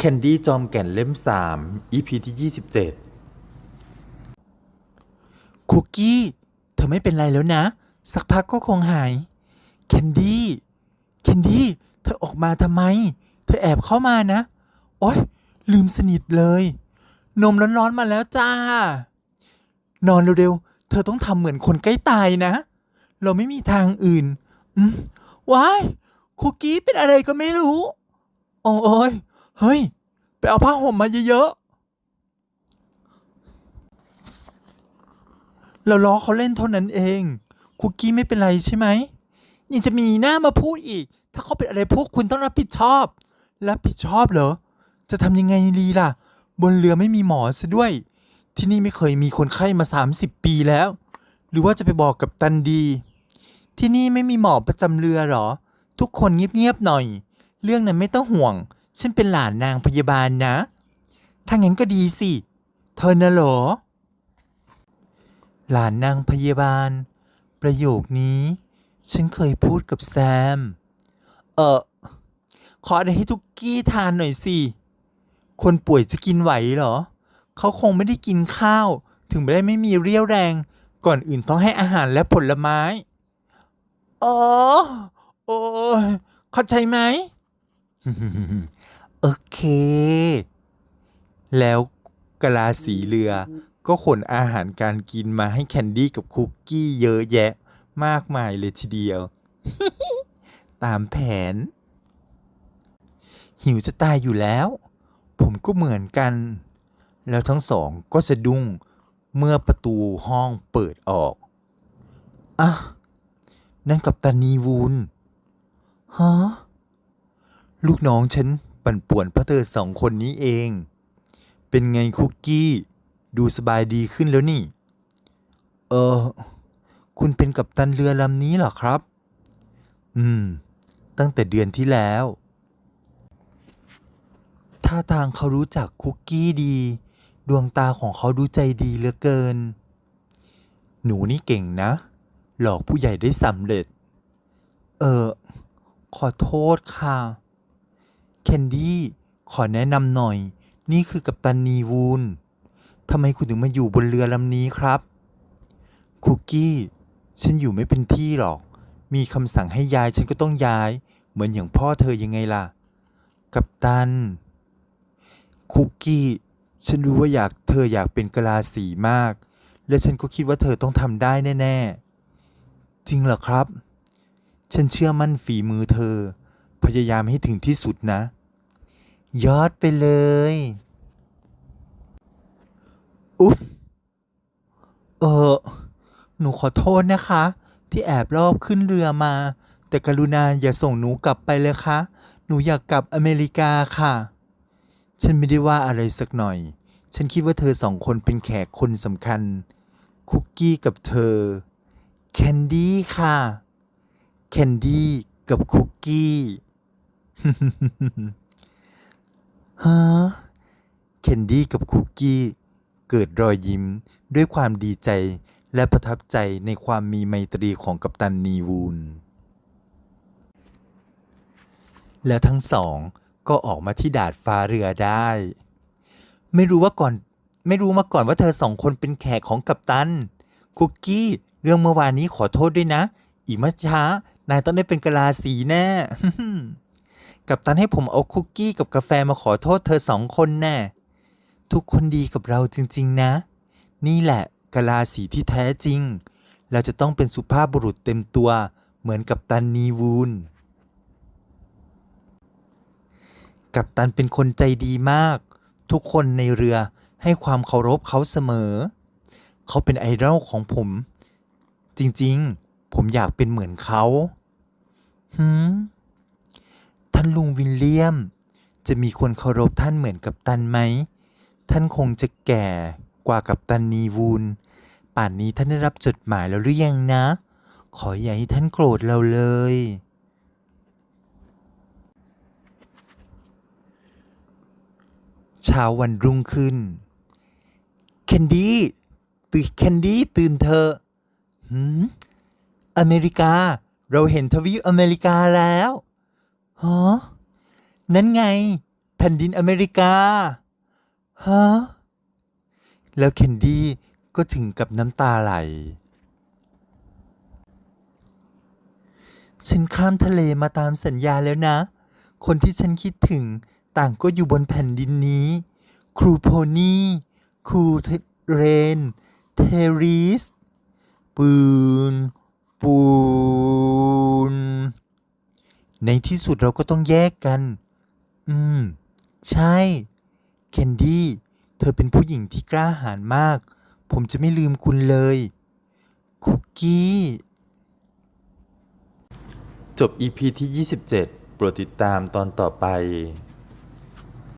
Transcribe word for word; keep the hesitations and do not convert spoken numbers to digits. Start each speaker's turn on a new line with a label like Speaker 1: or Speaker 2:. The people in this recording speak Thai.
Speaker 1: แคนดี้จอมแก่นเล่มสาม อี พี ที่ยี่สิบเจ็ด
Speaker 2: คุกกี้เธอไม่เป็นไรแล้วนะสักพักก็คงหายแคนดี้แคนดี้เธอออกมาทำไมเธอแอบเข้ามานะโอ๊ยลืมสนิทเลยนมร้อนๆมาแล้วจ้านอนเร็วๆเธอต้องทำเหมือนคนใกล้ตายนะเราไม่มีทางอื่นอืมว้ายคุกกี้เป็นอะไรก็ไม่รู้โอ้ยเฮ้ยไปเอาผ้าห่มมาเยอะๆเราล้อเขาเล่นเท่านั้นเองคุกกี้ไม่เป็นไรใช่ไหมยังจะมีหน้ามาพูดอีกถ้าเขาเป็นอะไรพวกคุณต้องรับผิดชอบรับผิดชอบเหรอจะทำยังไงดีล่ะบนเรือไม่มีหมอซะด้วยที่นี่ไม่เคยมีคนไข้มาสามสิบปีแล้วหรือว่าจะไปบอกกับตันดีที่นี่ไม่มีหมอประจำเรือเหรอทุกคนเงียบๆหน่อยเรื่องนั้นไม่ต้องห่วงฉันเป็นหลานนางพยาบาลนะถ้างั้นก็ดีสิเธอน่ะเหรอหลานนางพยาบาลประโยคนี้ฉันเคยพูดกับแซมเออขออะไรให้ทุกกี้ทานหน่อยสิคนป่วยจะกินไหวเหรอเขาคงไม่ได้กินข้าวถึงไม่ได้ไม่มีเรี่ยวแรงก่อนอื่นต้องให้อาหารและผลไม้เออโอ้ยเข้าใจไหม โอเคแล้วกะลาสีเรือก็ขนอาหารการกินมาให้แคนดี้กับคุกกี้เยอะแยะมากมายเลยทีเดียว ตามแผนหิวจะตายอยู่แล้วผมก็เหมือนกันแล้วทั้งสองก็สะดุ้งเมื่อประตูห้องเปิดออกอ่ะนั่นกัปตันนีวูนฮะลูกน้องฉันปั่นป่วนเพราะเธอสองคนนี้เองเป็นไงคุกกี้ดูสบายดีขึ้นแล้วนี่เออคุณเป็นกัปตันเรือลำนี้เหรอครับอืมตั้งแต่เดือนที่แล้วท่าทางเขารู้จักคุกกี้ดีดวงตาของเขาดูใจดีเหลือเกินหนูนี่เก่งนะหลอกผู้ใหญ่ได้สำเร็จเออขอโทษค่ะแคนดี้ขอแนะนำหน่อยนี่คือกัปตันนีวูนทำไมคุณถึงมาอยู่บนเรือลำนี้ครับคุกกี้ฉันอยู่ไม่เป็นที่หรอกมีคำสั่งให้ย้ายฉันก็ต้องย้ายเหมือนอย่างพ่อเธอยังไงล่ะกัปตันคุกกี้ฉันรู้ว่าอยากเธออยากเป็นกะลาสีมากและฉันก็คิดว่าเธอต้องทำได้แน่ๆจริงเหรอครับฉันเชื่อมั่นฝีมือเธอพยายามให้ถึงที่สุดนะยอดไปเลยอุ๊บเออหนูขอโทษนะคะที่แอบลอบขึ้นเรือมาแต่กรุณาอย่าส่งหนูกลับไปเลยค่ะหนูอยากกลับอเมริกาค่ะฉันไม่ได้ว่าอะไรสักหน่อยฉันคิดว่าเธอสองคนเป็นแขกคนสำคัญคุกกี้กับเธอแคนดี้ค่ะแคนดี้กับคุกกี้ ฮะเคนดี้กับคุกกี้เกิดรอยยิ้มด้วยความดีใจและประทับใจในความมีไมตรีของกัปตันนีวูนแล้วทั้งสองก็ออกมาที่ดาดฟ้าเรือได้ไม่รู้ว่าก่อนไม่รู้มาก่อนว่าเธอสองคนเป็นแขกของกัปตันคุกกี้เรื่องเมื่อวานนี้ขอโทษด้วยนะอีกไม่ช้านายต้องได้เป็นกะลาสีแน่ กัปตันให้ผมเอาคุกกี้กับกาแฟมาขอโทษเธอสองคนแน่ทุกคนดีกับเราจริงๆนะนี่แหละกะลาสีที่แท้จริงเราจะต้องเป็นสุภาพบุรุษเต็มตัวเหมือนกัปตันนีวูนกัปตันเป็นคนใจดีมากทุกคนในเรือให้ความเคารพเขาเสมอเขาเป็นไอดอลของผมจริงๆผมอยากเป็นเหมือนเขาหืม ท่านลุงวิลเลียมจะมีคนเคารพท่านเหมือนกัปตันไหมท่านคงจะแก่กว่ากัปตันนีวูนป่านนี้ท่านได้รับจดหมายแล้วหรือยังนะขออย่าให้ท่านโกรธเราเลยเช้าวันรุ่งขึ้นแคนดี้ตื่นแคนดี้ตื่นเถอะหืมอเมริกาเราเห็นทวีปอเมริกาแล้วฮะ นั่นไงแผผ่นดินอเมริกา ฮะ แล้วเคนดี้ก็ถึงกับน้ำตาไหล ฉันข้ามทะเลมาตามสัญญาแล้วนะ คนที่ฉันคิดถึงต่างก็อยู่บนแผ่นดินนี้ ครูโพนี่ ครูเรน เทริส ปืน ปูน ในที่สุดเราก็ต้องแยกกัน อืม ใช่ เคนดี้ เธอเป็นผู้หญิงที่กล้าหาญมาก ผมจะไม่ลืมคุณเลย คุกกี้
Speaker 1: จบ อี พี ที่ ยี่สิบเจ็ด โปรดติดตามตอนต่อไป